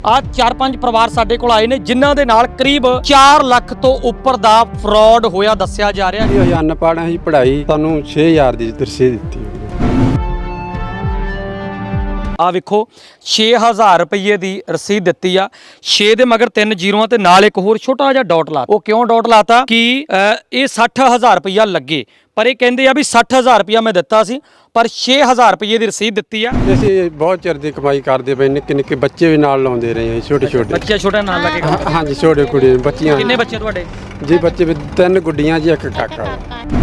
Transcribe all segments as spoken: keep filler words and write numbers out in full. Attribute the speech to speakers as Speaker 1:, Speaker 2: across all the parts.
Speaker 1: ਆ ਚਾਰ ਪੰਜ ਪਰਿਵਾਰ ਸਾਡੇ ਕੋਲ ਆਏ ਨੇ ਜਿਨ੍ਹਾਂ ਦੇ ਨਾਲ ਕਰੀਬ ਚਾਰ ਲੱਖ ਤੋਂ ਉੱਪਰ ਦਾ ਫਰਾਡ ਹੋਇਆ ਦੱਸਿਆ ਜਾ ਰਿਹਾ
Speaker 2: ਇਹ ਅਨਪੜ੍ਹ ਹੀ ਪੜ੍ਹਾਈ ਤੁਹਾਨੂੰ ਛੇ ਹਜ਼ਾਰ ਦੀ ਰਸੀਦ ਦਿੱਤੀ।
Speaker 1: ਆ ਵੇਖੋ ਛੇ ਹਜ਼ਾਰ ਰੁਪਏ ਦੀ ਰਸੀਦ ਦਿੱਤੀ ਆ। ਛੇ ਦੇ ਮਗਰ ਤਿੰਨ ਜ਼ੀਰੋਆਂ ਤੇ ਨਾਲ ਇੱਕ ਹੋਰ ਛੋਟਾ ਜਿਹਾ ਡਾਟ ਲਾ। ਉਹ ਕਿਉਂ ਡਾਟ ਲਾਤਾ ਕਿ ਇਹ ਸੱਠ ਹਜ਼ਾਰ ਰੁਪਇਆ ਲੱਗੇ, ਪਰ ਇਹ ਕਹਿੰਦੇ ਆ ਵੀ ਸੱਠ ਹਜ਼ਾਰ ਰੁਪਇਆ ਮੈਂ ਦਿੱਤਾ ਸੀ, ਪਰ ਛੇ ਹਜ਼ਾਰ ਰੁਪਏ ਦੀ ਰਸੀਦ ਦਿੱਤੀ ਆ।
Speaker 2: ਅਸੀਂ ਬਹੁਤ ਚਿਰ ਦੀ ਕਮਾਈ ਕਰਦੇ ਪਏ, ਨਿੱਕੇ ਨਿੱਕੇ ਬੱਚੇ ਵੀ ਨਾਲ ਲਾਉਂਦੇ ਰਹੇ ਹਾਂ, ਛੋਟੇ ਛੋਟੇ
Speaker 1: ਬੱਚੇ ਛੋਟੇ ਨਾਲ ਲੱਗੇ।
Speaker 2: ਹਾਂਜੀ ਛੋਟੇ ਕੁੜੀ ਬੱਚੀਆਂ।
Speaker 1: ਕਿੰਨੇ ਬੱਚੇ ਤੁਹਾਡੇ
Speaker 2: ਜੀ? ਬੱਚੇ ਵੀ ਤਿੰਨ ਗੁੱਡੀਆਂ ਜੀ, ਇੱਕ ਕਾਕਾ।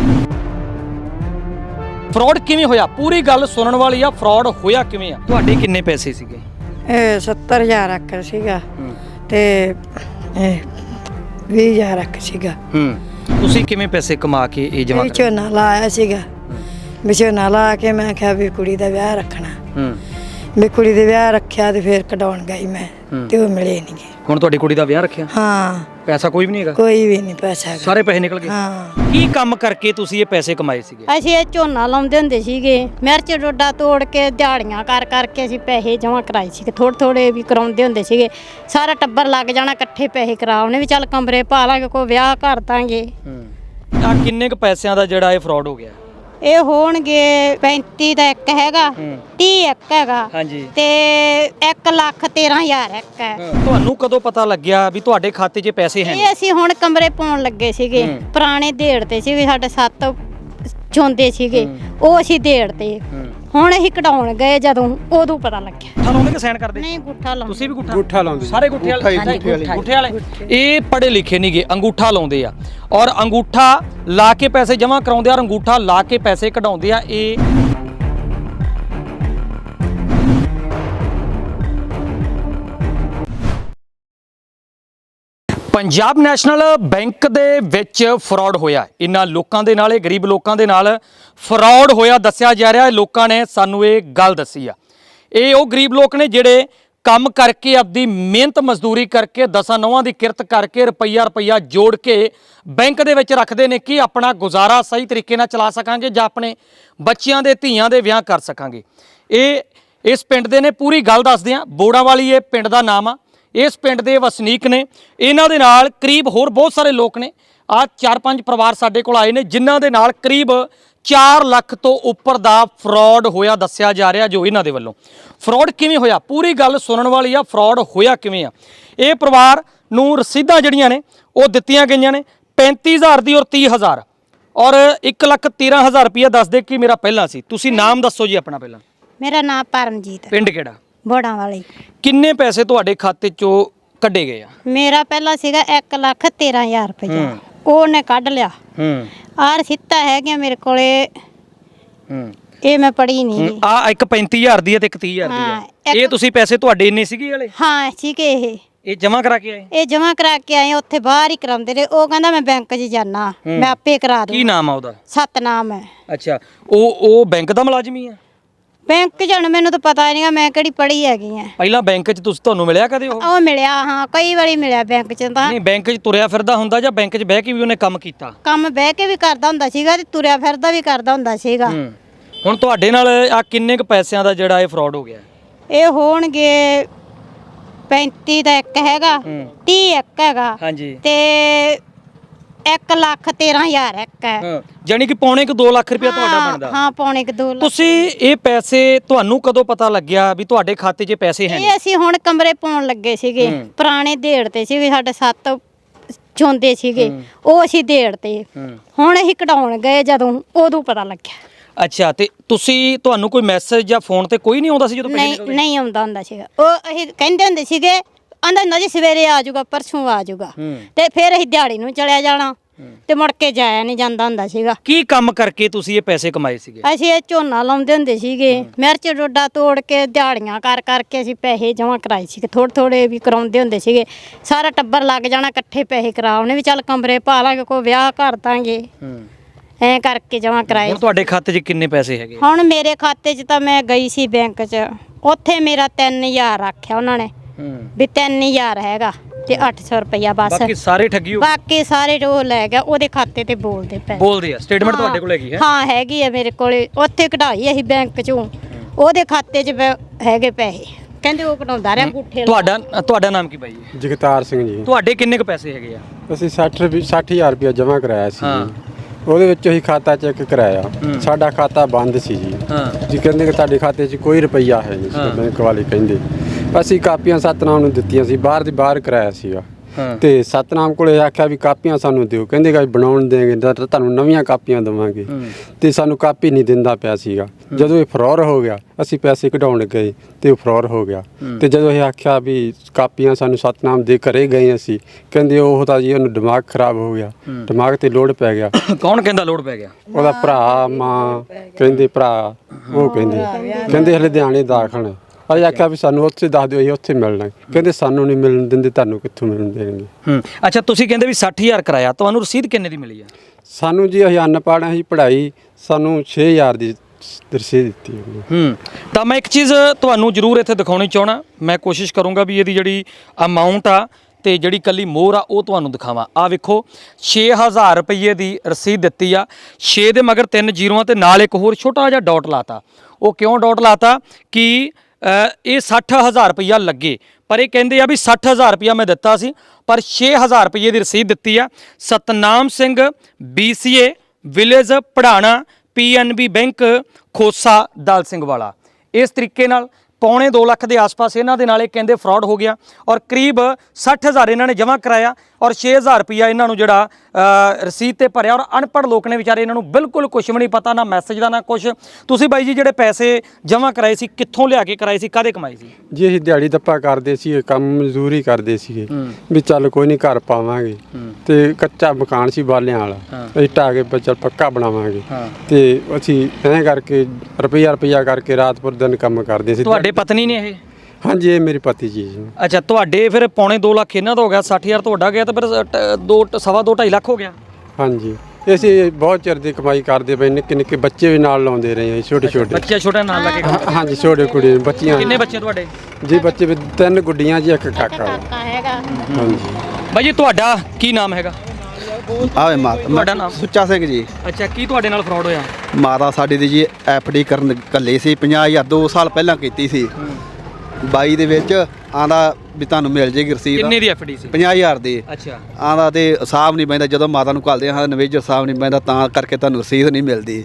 Speaker 1: ਫਰਾਡ ਕਿਵੇਂ ਹੋਇਆ? ਪੂਰੀ ਗੱਲ ਸੁਣਨ ਵਾਲੀ ਆ। ਫਰਾਡ ਹੋਇਆ ਕਿਵੇਂ ਆ? ਤੁਹਾਡੇ ਕਿੰਨੇ ਪੈਸੇ ਸੀਗੇ?
Speaker 3: ਇਹ ਸੱਤਰ ਹਜ਼ਾਰ ਅੱਖ ਸੀਗਾ ਤੇ ਇਹ ਵੀਹ ਹਜ਼ਾਰ ਅੱਖ ਸੀਗਾ।
Speaker 1: ਹੂੰ, ਤੁਸੀਂ ਕਿਵੇਂ ਪੈਸੇ ਕਮਾ ਕੇ ਇਹ ਜਮਾ
Speaker 3: ਇਹ ਝੋਨਾ ਲਾਇਆ ਸੀਗਾ। ਵੀ ਝੋਨਾ ਲਾ ਕੇ ਮੈਂ ਕਿਹਾ ਵੀ ਕੁੜੀ ਦਾ ਵਿਆਹ ਰੱਖਣਾ।
Speaker 1: ਹੂੰ,
Speaker 3: ਵੀ ਕੁੜੀ ਦੇ ਵਿਆਹ ਰੱਖਿਆ ਤੇ ਫਿਰ ਕਢਾਉਣ ਗਈ ਮੈਂ ਤੇ ਉਹ ਮਿਲੇ ਨਹੀਂ ਗੇ।
Speaker 1: ਹੁਣ ਤੁਹਾਡੀ ਕੁੜੀ ਦਾ ਵਿਆਹ ਰੱਖਿਆ?
Speaker 3: ਹਾਂ।
Speaker 1: ਪੈਸਾ ਕੋਈ ਵੀ ਨਹੀਂ ਹੈਗਾ?
Speaker 3: ਕੋਈ ਵੀ ਨਹੀਂ ਪੈਸਾ ਹੈਗਾ।
Speaker 1: ਸਾਰੇ ਪੈਸੇ ਨਿਕਲ ਗਏ?
Speaker 3: ਹਾਂ।
Speaker 1: ਕੀ ਕੰਮ ਕਰਕੇ ਤੁਸੀਂ ਇਹ ਪੈਸੇ ਕਮਾਏ ਸੀਗੇ?
Speaker 4: ਅਸੀਂ ਇਹ ਝੋਨਾ ਲਾਉਂਦੇ ਹੁੰਦੇ ਸੀਗੇ, ਮਿਰਚ ਡੋਡਾ ਤੋੜ ਕੇ ਦਿਹਾੜੀਆਂ ਕਰ ਕਰਕੇ ਅਸੀਂ ਪੈਸੇ ਜਮ੍ਹਾਂ ਕਰਾਏ ਸੀਗੇ। ਥੋੜੇ ਥੋੜੇ ਵੀ ਕਰਾਉਂਦੇ ਹੁੰਦੇ ਸੀਗੇ। ਸਾਰਾ ਟੱਬਰ ਲੱਗ ਜਾਣਾ, ਇਕੱਠੇ ਪੈਸੇ ਕਰਾਉਣੇ ਵੀ ਚੱਲ ਕਮਰੇ ਪਾ ਲਾਂਗੇ, ਕੋਈ ਵਿਆਹ ਕਰ ਦਾਂਗੇ।
Speaker 1: ਹੂੰ, ਆ ਕਿੰਨੇ ਕੁ ਪੈਸਿਆਂ ਦਾ ਜਿਹੜਾ ਇਹ ਫਰਾਡ ਹੋ ਗਿਆ?
Speaker 4: ਇਹ ਹੋਣਗੇ ਪੈਂਤੀ ਦਾ ਇੱਕ ਹੈਗਾ, ਤੀਹ ਇੱਕ ਹੈਗਾ,
Speaker 1: ਹਾਂਜੀ,
Speaker 4: ਤੇ ਇੱਕ ਲੱਖ ਤੇਰਾਂ ਹਜ਼ਾਰ ਇੱਕ ਹੈ।
Speaker 1: ਤੁਹਾਨੂੰ ਕਦੋਂ ਪਤਾ ਲੱਗਿਆ ਵੀ ਤੁਹਾਡੇ ਖਾਤੇ 'ਚ ਪੈਸੇ ਹੈ?
Speaker 4: ਇਹ ਅਸੀਂ ਹੁਣ ਕਮਰੇ ਪਾਉਣ ਲੱਗੇ ਸੀਗੇ। ਪੁਰਾਣੇ ਦੇੜ ਤੇ ਸੀ, ਸਾਡੇ ਸੱਤ ਚੋਂਦੇ ਸੀਗੇ, ਉਹ ਅਸੀਂ ਦੇੜ ਤੇ ਹੁਣ ਅਸੀਂ ਕਢਾਉਣ ਗਏ ਜਦੋਂ ਉਦੋਂ ਪਤਾ ਲੱਗਿਆ।
Speaker 1: ਗੁੱਠਾ ਲਾਉਂਦੇ ਕਿ ਸਾਈਨ ਕਰਦੇ?
Speaker 4: ਨਹੀਂ, ਗੁੱਠਾ ਲਾਉਂਦੇ।
Speaker 1: ਤੁਸੀਂ ਵੀ ਗੁੱਠਾ?
Speaker 2: ਗੁੱਠਾ ਲਾਉਂਦੇ
Speaker 1: ਸਾਰੇ ਗੁੱਠੇ ਵਾਲੇ? ਗੁੱਠੇ ਵਾਲੇ ਇਹ ਪੜ੍ਹੇ ਲਿਖੇ ਨਹੀਂਗੇ, ਅੰਗੂਠਾ ਲਾਉਂਦੇ ਆ ਔਰ ਅੰਗੂਠਾ ਲਾ ਕੇ ਪੈਸੇ ਜਮ੍ਹਾਂ ਕਰਾਉਂਦੇ ਆ ਔਰ ਅੰਗੂਠਾ ਲਾ ਕੇ ਪੈਸੇ ਕਢਾਉਂਦੇ ਆ। ਇਹ ਪੰਜਾਬ ਨੈਸ਼ਨਲ ਬੈਂਕ ਦੇ ਵਿੱਚ ਫਰਾਡ ਹੋਇਆ। ਇਹਨਾਂ ਲੋਕਾਂ ਦੇ ਨਾਲ, ਇਹ ਗਰੀਬ ਲੋਕਾਂ ਦੇ ਨਾਲ ਫਰਾਡ ਹੋਇਆ ਦੱਸਿਆ ਜਾ ਰਿਹਾ ਹੈ। ਲੋਕਾਂ ਨੇ ਸਾਨੂੰ ਇਹ ਗੱਲ ਦੱਸੀ ਆ। ਇਹ ਉਹ ਗਰੀਬ ਲੋਕ ਨੇ ਜਿਹੜੇ ਕੰਮ ਕਰਕੇ, ਆਪਦੀ ਮਿਹਨਤ ਮਜ਼ਦੂਰੀ ਕਰਕੇ, ਦਸਾਂ ਨੌਵਾਂ ਦੀ ਕਿਰਤ ਕਰਕੇ ਰੁਪਈਆ ਰੁਪਈਆ ਜੋੜ ਕੇ ਬੈਂਕ ਦੇ ਵਿੱਚ ਰੱਖਦੇ ਨੇ ਕਿ ਆਪਣਾ ਗੁਜ਼ਾਰਾ ਸਹੀ ਤਰੀਕੇ ਨਾਲ ਚਲਾ ਸਕਾਂਗੇ ਜਾਂ ਆਪਣੇ ਬੱਚਿਆਂ ਦੇ ਧੀਆਂ ਦੇ ਵਿਆਹ ਕਰ ਸਕਾਂਗੇ। ਇਹ ਇਸ ਪਿੰਡ ਦੇ ਨੇ, ਪੂਰੀ ਗੱਲ ਦੱਸਦੇ ਆ। ਬੋੜਾਂ ਵਾਲੀ ਇਹ ਪਿੰਡ ਦਾ ਨਾਮ ਆ। ਇਸ ਪਿੰਡ ਦੇ ਵਸਨੀਕ ਨੇ। ਇਹਨਾਂ ਦੇ ਨਾਲ ਕਰੀਬ ਹੋਰ ਬਹੁਤ ਸਾਰੇ ਲੋਕ ਨੇ। ਆ ਚਾਰ ਪੰਜ ਪਰਿਵਾਰ ਸਾਡੇ ਕੋਲ ਆਏ ਨੇ ਜਿਨ੍ਹਾਂ ਦੇ ਨਾਲ ਕਰੀਬ ਚਾਰ ਲੱਖ ਤੋਂ ਉੱਪਰ ਦਾ ਫਰਾਡ ਹੋਇਆ ਦੱਸਿਆ ਜਾ ਰਿਹਾ। ਜੋ ਇਹਨਾਂ ਦੇ ਵੱਲੋਂ ਫਰਾਡ ਕਿਵੇਂ ਹੋਇਆ? ਪੂਰੀ ਗੱਲ ਸੁਣਨ ਵਾਲੀ ਆ। ਫਰਾਡ ਹੋਇਆ ਕਿਵੇਂ ਆ? ਇਹ ਪਰਿਵਾਰ ਨੂੰ ਰਸੀਦਾਂ ਜਿਹੜੀਆਂ ਨੇ ਉਹ ਦਿੱਤੀਆਂ ਗਈਆਂ ਨੇ ਪੈਂਤੀ ਹਜ਼ਾਰ ਦੀ ਔਰ ਤੀਹ ਹਜ਼ਾਰ ਔਰ ਇੱਕ ਲੱਖ ਤੇਰਾਂ ਹਜ਼ਾਰ ਰੁਪਇਆ ਦੱਸਦੇ ਕਿ ਮੇਰਾ ਪਹਿਲਾਂ ਸੀ। ਤੁਸੀਂ ਨਾਮ ਦੱਸੋ ਜੀ ਆਪਣਾ ਪਹਿਲਾਂ।
Speaker 4: ਮੇਰਾ ਨਾਮ ਪਰਮਜੀਤ।
Speaker 1: ਪਿੰਡ ਕਿਹੜਾ?
Speaker 4: ਬੋੜਾਂ ਵਾਲੀ।
Speaker 1: ਕਿੰਨੇ ਪੈਸੇ ਤੁਹਾਡੇ ਖਾਤੇ ਚੋਂ ਕੱਢੇ ਗਏ ਆ?
Speaker 4: ਮੇਰਾ ਪਹਿਲਾਂ ਸੀਗਾ ਇੱਕ ਲੱਖ ਤੇਰਾਂ ਹਜ਼ਾਰ ਰੁਪਇਆ, ਉਹਨੇ ਕੱਢ ਲਿਆ।
Speaker 1: ਹੂੰ,
Speaker 4: ਆਹ ਰਸੀਦਾਂ ਹੈਗੀਆਂ ਮੇਰੇ ਕੋਲੇ।
Speaker 1: ਹੂੰ,
Speaker 4: ਇਹ ਮੈਂ ਪੜ੍ਹੀ ਨਹੀਂ।
Speaker 1: ਆ ਇੱਕ ਪੈਂਤੀ ਹਜ਼ਾਰ ਦੀ ਹੈ ਤੇ ਇੱਕ ਤੀਹ ਹਜ਼ਾਰ ਦੀ ਹੈ। ਇਹ ਤੁਸੀਂ ਪੈਸੇ ਤੁਹਾਡੇ ਇੰਨੇ ਸੀਗੇ ਵਾਲੇ?
Speaker 4: ਹਾਂ ਸੀਗੇ। ਇਹ
Speaker 1: ਇਹ ਜਮ੍ਹਾਂ ਕਰਾ ਕੇ ਆਏ?
Speaker 4: ਇਹ ਜਮ੍ਹਾਂ ਕਰਾ ਕੇ ਆਏ, ਉੱਥੇ ਬਾਹਰ ਹੀ ਕਰਾਉਂਦੇ ਰਹੇ। ਉਹ ਕਹਿੰਦਾ ਮੈਂ ਬੈਂਕ 'ਚ ਜਾਣਾ, ਮੈਂ ਆਪੇ ਕਰਾ ਦੂੰ।
Speaker 1: ਕੀ ਨਾਮ ਆ ਉਹਦਾ?
Speaker 4: ਸਤਨਾਮ ਹੈ।
Speaker 1: ਅੱਛਾ, ਉਹ ਉਹ ਬੈਂਕ ਦਾ ਮੁਲਾਜ਼ਮ ਹੀ ਆ?
Speaker 4: ਬੈਂਕ ਜਾਣ ਮੈਨੂੰ ਤਾਂ ਪਤਾ ਨਹੀਂਗਾ, ਮੈਂ ਕਿਹੜੀ ਪੜ੍ਹੀ ਹੈਗੀ ਆ।
Speaker 1: ਪਹਿਲਾਂ ਬੈਂਕ 'ਚ ਤੁਸੀਂ ਤੁਹਾਨੂੰ ਮਿਲਿਆ ਕਦੇ ਉਹ?
Speaker 4: ਉਹ ਮਿਲਿਆ, ਹਾਂ ਕਈ ਵਾਰੀ ਮਿਲਿਆ ਬੈਂਕ 'ਚ। ਤਾਂ
Speaker 1: ਨਹੀਂ, ਬੈਂਕ 'ਚ ਤੁਰਿਆ ਫਿਰਦਾ ਹੁੰਦਾ ਜਾਂ ਬੈਂਕ 'ਚ ਬਹਿ ਕੇ ਵੀ ਉਹਨੇ ਕੰਮ ਕੀਤਾ?
Speaker 4: ਕੰਮ ਬਹਿ ਕੇ ਵੀ ਕਰਦਾ ਹੁੰਦਾ ਸੀਗਾ ਤੇ ਤੁਰਿਆ ਫਿਰਦਾ ਵੀ ਕਰਦਾ ਹੁੰਦਾ ਸੀਗਾ।
Speaker 1: ਹੂੰ, ਹੁਣ ਤੁਹਾਡੇ ਨਾਲ ਆ ਕਿੰਨੇ ਕੁ ਪੈਸਿਆਂ ਦਾ ਜਿਹੜਾ ਇਹ ਫਰਾਡ ਹੋ ਗਿਆ?
Speaker 4: ਇਹ ਹੋਣਗੇ ਪੈਂਤੀ ਦਾ ਇੱਕ ਹੈਗਾ, ਤੀਹ ਇੱਕ ਹੈਗਾ,
Speaker 1: ਹਾਂਜੀ,
Speaker 4: ਤੇ ਇੱਕ ਲੱਖ ਤੇਰਾਂ ਹਜ਼ਾਰ ਇੱਕ ਹੈ।
Speaker 1: ਹਾਂ, ਜਾਨੀ ਕਿ ਪੌਣੇ ਕੁ ਦੋ ਲੱਖ ਰੁਪਇਆ ਤੁਹਾਡਾ ਬਣਦਾ।
Speaker 4: ਹਾਂ, ਪੌਣੇ ਕੁ ਦੋ ਲੱਖ।
Speaker 1: ਤੁਸੀਂ ਇਹ ਪੈਸੇ ਤੁਹਾਨੂੰ ਕਦੋਂ ਪਤਾ ਲੱਗਿਆ ਵੀ ਤੁਹਾਡੇ ਖਾਤੇ 'ਚ ਪੈਸੇ ਹੈ?
Speaker 4: ਇਹ ਅਸੀਂ ਹੁਣ ਕਮਰੇ ਪਾਉਣ ਲੱਗੇ ਸੀਗੇ। ਪੁਰਾਣੇ ਦੇੜ ਤੇ ਸੀ, ਸਾਡੇ ਸੱਤ ਚੋਂਦੇ ਸੀਗੇ, ਉਹ ਅਸੀਂ ਦੇੜ ਤੇ ਹੁਣ ਅਸੀਂ ਕਢਾਉਣ ਗਏ ਜਦੋਂ ਉਦੋਂ ਪਤਾ ਲੱਗਿਆ।
Speaker 1: ਅੱਛਾ, ਤੇ ਤੁਸੀਂ ਤੁਹਾਨੂੰ ਕੋਈ ਮੈਸੇਜ ਜਾਂ ਫੋਨ ਤੇ ਕੋਈ ਨਹੀਂ ਆਉਂਦਾ ਸੀ ਜਦੋਂ ਪੈਸੇ
Speaker 4: ਨਹੀਂ
Speaker 1: ਨਿਕਲਦੇ?
Speaker 4: ਨਹੀਂ ਆਉਂਦਾ ਹੁੰਦਾ ਸੀਗਾ। ਉਹ ਅਸੀਂ ਕਹਿੰਦੇ ਹੁੰਦੇ ਸੀਗੇ, ਆਂਦਾ ਹੁੰਦਾ ਜੀ ਸਵੇਰੇ ਆ ਜਾਊਗਾ, ਪਰਸੋਂ ਆ ਜਾਊਗਾ, ਤੇ ਫਿਰ ਅਸੀਂ ਦਿਹਾੜੀ ਨੂੰ ਚਲਿਆ ਜਾਣਾ ਤੇ ਮੁੜ ਕੇ ਜਾਇਆ ਨਹੀਂ ਜਾਂਦਾ ਹੁੰਦਾ ਸੀਗਾ।
Speaker 1: ਕੀ ਕੰਮ ਕਰਕੇ ਤੁਸੀਂ ਇਹ ਪੈਸੇ ਕਮਾਏ ਸੀਗੇ?
Speaker 4: ਅਸੀਂ ਇਹ ਝੋਨਾ ਲਾਉਂਦੇ ਹੁੰਦੇ ਸੀਗੇ, ਮਿਰਚ ਡੋਡਾ ਤੋੜ ਕੇ ਦਿਹਾੜੀਆਂ ਕਰ ਕਰਕੇ ਅਸੀਂ ਪੈਸੇ ਜਮ੍ਹਾਂ ਕਰਾਏ ਸੀਗੇ। ਥੋੜੇ ਥੋੜੇ ਵੀ ਕਰਾਉਂਦੇ ਹੁੰਦੇ ਸੀਗੇ। ਸਾਰਾ ਟੱਬਰ ਲੱਗ ਜਾਣਾ, ਇਕੱਠੇ ਪੈਸੇ ਕਰਾਉਣੇ ਵੀ ਚੱਲ ਕਮਰੇ ਪਾ ਲਾਂਗੇ, ਕੋਈ ਵਿਆਹ ਕਰ ਦਾਂਗੇ। ਐਂ ਕਰਕੇ ਜਮ੍ਹਾਂ ਕਰਾਏ।
Speaker 1: ਹੁਣ ਤੁਹਾਡੇ ਖਾਤੇ 'ਚ ਕਿੰਨੇ ਪੈਸੇ ਹੈਗੇ?
Speaker 4: ਹੁਣ ਮੇਰੇ ਖਾਤੇ 'ਚ ਤਾਂ ਮੈਂ ਗਈ ਸੀ ਬੈਂਕ 'ਚ, ਉੱਥੇ ਮੇਰਾ ਤਿੰਨ ਹਜ਼ਾਰ ਰੱਖਿਆ ਉਹਨਾਂ ਨੇ ਵੀ ਤਿੰਨ ਹਜ਼ਾਰ ਹੈਗਾ ਤੇ ਅੱਠ ਸੌ ਰੁਪਇਆ ਬਸ।
Speaker 1: ਬਾਕੀ ਸਾਰੇ ਠੱਗੀ ਹੋ?
Speaker 4: ਬਾਕੀ ਸਾਰੇ ਉਹ ਲੈ ਗਿਆ, ਉਹਦੇ ਖਾਤੇ ਤੇ ਬੋਲਦੇ ਪਏ।
Speaker 1: ਬੋਲਦੇ ਆ? ਸਟੇਟਮੈਂਟ ਤੁਹਾਡੇ ਕੋਲ ਹੈਗੀ ਹੈ?
Speaker 4: ਹਾਂ ਹੈਗੀ ਆ ਮੇਰੇ ਕੋਲੇ, ਉੱਥੇ ਕਢਾਈ ਅਸੀਂ ਬੈਂਕ 'ਚੋਂ, ਉਹਦੇ ਖਾਤੇ 'ਚ ਹੈਗੇ ਪੈਸੇ। ਕਹਿੰਦੇ ਉਹ ਕਢਾਉਂਦਾ ਰਿਹਾ ਅੰਗੂਠੇ
Speaker 1: ਤੁਹਾਡਾ ਤੁਹਾਡਾ ਨਾਮ ਕੀ ਬਾਈ ਜੀ?
Speaker 2: ਜਗਤਾਰ ਸਿੰਘ ਜੀ।
Speaker 1: ਤੁਹਾਡੇ ਕਿੰਨੇ ਕੁ ਪੈਸੇ ਹੈਗੇ ਆ?
Speaker 2: ਅਸੀਂ ਸੱਠ ਰੁਪਏ ਸੱਠ ਹਜ਼ਾਰ ਰੁਪਇਆ ਜਮ੍ਹਾਂ ਕਰਾਇਆ ਸੀ
Speaker 1: ਹਾਂ।
Speaker 2: ਜੀ। ਉਹਦੇ ਵਿੱਚੋਂ ਹੀ ਖਾਤਾ ਚੈੱਕ ਕਰਾਇਆ, ਸਾਡਾ ਖਾਤਾ ਬੰਦ ਸੀ ਜੀ।
Speaker 1: ਹਾਂ
Speaker 2: ਜੀ ਕਹਿੰਦੇ ਕਿ ਤੁਹਾਡੇ ਖਾਤੇ 'ਚ ਕੋਈ ਰੁਪਈਆ ਹੈ ਨਹੀਂ ਸੀ, ਬੈਂਕ ਵਾਲੇ ਕਹਿੰਦੇ। ਅਸੀਂ ਕਾਪੀਆਂ ਸਤਨਾਮ ਨੂੰ ਦਿੱਤੀਆਂ ਸੀ, ਬਾਹਰ ਦੀ ਬਾਹਰ ਕਰਾਇਆ ਸੀਗਾ।
Speaker 1: ਹਾਂ
Speaker 2: ਤੇ ਸਤਨਾਮ ਕੋਲੇ ਆਖਿਆ ਵੀ ਕਾਪੀਆਂ ਸਾਨੂੰ ਦਿਓ, ਕਹਿੰਦੇ ਕਿ ਬਣਾਉਣ ਦੇਂਗੇ ਤਾਂ ਤੁਹਾਨੂੰ ਨਵੀਆਂ ਕਾਪੀਆਂ ਦੇਵਾਂਗੇ। ਤੇ ਸਾਨੂੰ ਕਾਪੀ ਨਹੀਂ ਦਿੰਦਾ ਪਿਆ ਸੀਗਾ। ਜਦੋਂ ਇਹ ਫਰੌਰ ਹੋ ਗਿਆ, ਅਸੀਂ ਪੈਸੇ ਕਢਾਉਣ ਗਏ ਤੇ ਉਹ ਫਰੌਰ ਹੋ ਗਿਆ। ਤੇ ਜਦੋਂ ਇਹ ਆਖਿਆ ਵੀ ਕਾਪੀਆਂ ਸਾਨੂੰ ਸਤਨਾਮ ਦੇ ਘਰੇ ਗਏ ਅਸੀਂ, ਕਹਿੰਦੇ ਉਹ ਤਾਂ ਜੀ ਉਹਨੂੰ ਦਿਮਾਗ ਖਰਾਬ ਹੋ ਗਿਆ, ਦਿਮਾਗ ਤੇ ਲੋਡ ਪੈ ਗਿਆ।
Speaker 1: ਕੌਣ ਕਹਿੰਦਾ ਲੋਡ ਪੈ ਗਿਆ?
Speaker 2: ਉਹਦਾ ਭਰਾ, ਮਾਂ ਕਹਿੰਦੇ, ਭਰਾ ਉਹ ਕਹਿੰਦੇ ਕਹਿੰਦੇ ਹਲੇ ਲੁਧਿਆਣੇ ਦਾਖਲ ਨੇ। ਅਸੀਂ ਆਖਿਆ ਵੀ ਸਾਨੂੰ ਉੱਥੇ ਦੱਸ ਦਿਓ, ਅਸੀਂ ਉੱਥੇ ਮਿਲਣਾ। ਕਹਿੰਦੇ ਸਾਨੂੰ ਨਹੀਂ ਮਿਲਣ ਦਿੰਦੇ, ਤੁਹਾਨੂੰ ਕਿੱਥੋਂ ਮਿਲਣ ਦੇਣਗੇ।
Speaker 1: ਹੂੰ ਅੱਛਾ, ਤੁਸੀਂ ਕਹਿੰਦੇ ਵੀ ਸੱਠ ਹਜ਼ਾਰ ਕਰਾਇਆ, ਤੁਹਾਨੂੰ ਰਸੀਦ ਕਿੰਨੇ ਦੀ ਮਿਲੀ ਆ?
Speaker 2: ਸਾਨੂੰ ਜੀ ਅਸੀਂ ਅਨਪੜ੍ਹ ਅਸੀਂ ਪੜ੍ਹਾਈ, ਸਾਨੂੰ ਛੇ ਹਜ਼ਾਰ ਦੀ ਰਸੀਦ ਦਿੱਤੀ ਉਹਨੇ।
Speaker 1: ਹੂੰ ਤਾਂ ਮੈਂ ਇੱਕ ਚੀਜ਼ ਤੁਹਾਨੂੰ ਜ਼ਰੂਰ ਇੱਥੇ ਦਿਖਾਉਣੀ ਚਾਹਣਾ, ਮੈਂ ਕੋਸ਼ਿਸ਼ ਕਰੂੰਗਾ ਵੀ ਇਹਦੀ ਜਿਹੜੀ ਅਮਾਊਂਟ ਆ ਤੇ ਜਿਹੜੀ ਕੱਲੀ ਮੋਹਰ ਆ ਉਹ ਤੁਹਾਨੂੰ ਦਿਖਾਵਾਂ। ਆ ਵੇਖੋ ਛੇ ਹਜ਼ਾਰ ਰੁਪਏ ਦੀ ਰਸੀਦ ਦਿੱਤੀ ਆ। ਛੇ ਦੇ ਮਗਰ ਤਿੰਨ ਜ਼ੀਰੋਆਂ ਤੇ ਨਾਲ ਇੱਕ ਹੋਰ ਛੋਟਾ ਜਿਹਾ ਡਾਟ ਲਾਤਾ। ਉਹ ਕਿਉਂ ਡਾਟ ਲਾਤਾ ਕਿ ਇਹ ਸੱਠ ਹਜ਼ਾਰ ਰੁਪਈਆ ਲੱਗੇ, ਪਰ ਇਹ ਕਹਿੰਦੇ ਆ ਵੀ ਸੱਠ ਹਜ਼ਾਰ ਰੁਪਈਆ ਮੈਂ ਦਿੱਤਾ ਸੀ, ਪਰ ਛੇ ਹਜ਼ਾਰ ਰੁਪਏ ਦੀ ਰਸੀਦ ਦਿੱਤੀ ਆ। Satnam Singh B C A village Padana P N B bank Khosa Dal Singh Wala. ਇਸ ਤਰੀਕੇ ਨਾਲ ਪੌਣੇ ਦੋ ਲੱਖ ਦੇ ਆਸ-ਪਾਸ ਇਹਨਾਂ ਦੇ ਨਾਲ ਇਹ ਕਹਿੰਦੇ ਫਰਾਡ ਹੋ ਗਿਆ ਔਰ ਕਰੀਬ ਸੱਠ ਹਜ਼ਾਰ ਇਹਨਾਂ ਨੇ ਜਮ੍ਹਾਂ ਕਰਾਇਆ ਔਰ ਛੇ ਹਜ਼ਾਰ ਰੁਪਈਆ ਇਹਨਾਂ ਨੂੰ ਜਿਹੜਾ ਰਸੀਦ ਤੇ ਭਰਿਆ। ਔਰ ਅਨਪੜ੍ਹ ਲੋਕ ਨੇ ਵਿਚਾਰੇ, ਇਹਨਾਂ ਨੂੰ ਬਿਲਕੁਲ ਕੁਛ ਵੀ ਨਹੀਂ ਪਤਾ, ਨਾ ਮੈਸੇਜ ਦਾ ਨਾ ਕੁਛ। ਤੁਸੀਂ ਬਾਈ ਜੀ ਜਿਹੜੇ ਪੈਸੇ ਜਮ੍ਹਾਂ ਕਰਾਏ ਸੀ, ਕਿੱਥੋਂ ਲਿਆ ਕੇ ਕਰਾਏ ਸੀ, ਕਾਹਦੇ ਕਮਾਈ ਸੀ?
Speaker 2: ਜੀ ਅਸੀਂ ਦਿਹਾੜੀ ਦੱਪਾ ਕਰਦੇ ਸੀ, ਕੰਮ ਮਜ਼ਦੂਰੀ ਕਰਦੇ ਸੀਗੇ ਵੀ ਚੱਲ ਕੋਈ ਨਹੀਂ ਘਰ ਪਾਵਾਂਗੇ। ਤੇ ਕੱਚਾ ਮਕਾਨ ਸੀ ਬਾਲਿਆਂ ਵਾਲਾ, ਅਸੀਂ ਢਾਹ ਕੇ ਚੱਲ ਪੱਕਾ ਬਣਾਵਾਂਗੇ। ਤੇ ਅਸੀਂ ਐਂ ਕਰਕੇ ਰੁਪਈਆ ਰੁਪਈਆ ਕਰਕੇ ਰਾਤ ਪਰ ਦਿਨ ਕੰਮ ਕਰਦੇ ਸੀ।
Speaker 1: ਤੁਹਾਡੇ ਪਤਨੀ ਨੇ ਇਹ?
Speaker 2: ਹਾਂਜੀ, ਇਹ ਮੇਰੀ ਪਤੀ ਜੀ।
Speaker 1: ਅੱਛਾ, ਤੁਹਾਡੇ ਫਿਰ ਪੌਣੇ ਦੋ ਲੱਖ ਇਹਨਾਂ ਦਾ ਹੋ ਗਿਆ, ਸੱਠ ਹਜ਼ਾਰ ਤੁਹਾਡਾ ਗਿਆ, ਤਾਂ ਫਿਰ ਦੋ ਸਵਾ ਦੋ ਢਾਈ ਲੱਖ ਹੋ ਗਿਆ।
Speaker 2: ਹਾਂਜੀ, ਅਸੀਂ ਬਹੁਤ ਚਿਰ ਦੀ ਕਮਾਈ ਕਰਦੇ ਪਏ, ਨਿੱਕੇ ਨਿੱਕੇ ਬੱਚੇ ਵੀ ਨਾਲ ਲਾਉਂਦੇ ਰਹੇ ਹਾਂ, ਛੋਟੇ ਛੋਟੇ
Speaker 1: ਬੱਚੇ ਛੋਟੇ ਨਾਲ ਲੱਗੇ।
Speaker 2: ਹਾਂਜੀ, ਛੋਟੇ ਕੁੜੀ ਬੱਚੀਆਂ।
Speaker 1: ਕਿੰਨੇ ਬੱਚੇ ਤੁਹਾਡੇ
Speaker 2: ਜੀ? ਬੱਚੇ ਵੀ ਤਿੰਨ ਗੁੱਡੀਆਂ ਜੀ, ਇੱਕ ਕਾਕਾ।
Speaker 4: ਹੈਗਾ।
Speaker 2: ਹਾਂਜੀ
Speaker 1: ਬਾਈ ਜੀ, ਤੁਹਾਡਾ ਕੀ ਨਾਮ ਹੈਗਾ?
Speaker 5: ਆਵੇ ਮਾਤਾ
Speaker 1: ਤੁਹਾਡਾ ਨਾਮ?
Speaker 5: ਸੁੱਚਾ ਸਿੰਘ ਜੀ।
Speaker 1: ਅੱਛਾ, ਕੀ ਤੁਹਾਡੇ ਨਾਲ ਫਰਾਡ ਹੋਇਆ?
Speaker 5: ਮਾਤਾ ਸਾਡੀ ਦੀ ਜੀ ਐਫ ਡੀ ਕਰਨ ਕੱਲੇ ਸੀ, ਪੰਜਾਹ ਹਜ਼ਾਰ ਦੋ ਸਾਲ ਪਹਿਲਾਂ ਕੀਤੀ ਸੀ। ਬਾਈ ਦੇ ਵਿੱਚ ਆਂਦਾ ਵੀ ਤੁਹਾਨੂੰ ਮਿਲ ਜੇਗੀ ਰਸੀਦ।
Speaker 1: ਕਿੰਨੇ ਦੀ ਐਫ ਡੀ ਸੀ?
Speaker 5: ਪੰਜਾਹ ਹਜ਼ਾਰ ਦੀ।
Speaker 1: ਅੱਛਾ।
Speaker 5: ਆਂਦਾ ਤੇ ਹਿਸਾਬ ਨਹੀਂ ਪੈਂਦਾ, ਜਦੋਂ ਮਾਤਾ ਨੂੰ ਘੱਲਦੇ ਹਾਂ ਨਵੇਜਰ ਹਿਸਾਬ ਨਹੀਂ ਪੈਂਦਾ, ਤਾਂ ਕਰਕੇ ਤੁਹਾਨੂੰ ਰਸੀਦ ਨਹੀਂ ਮਿਲਦੀ।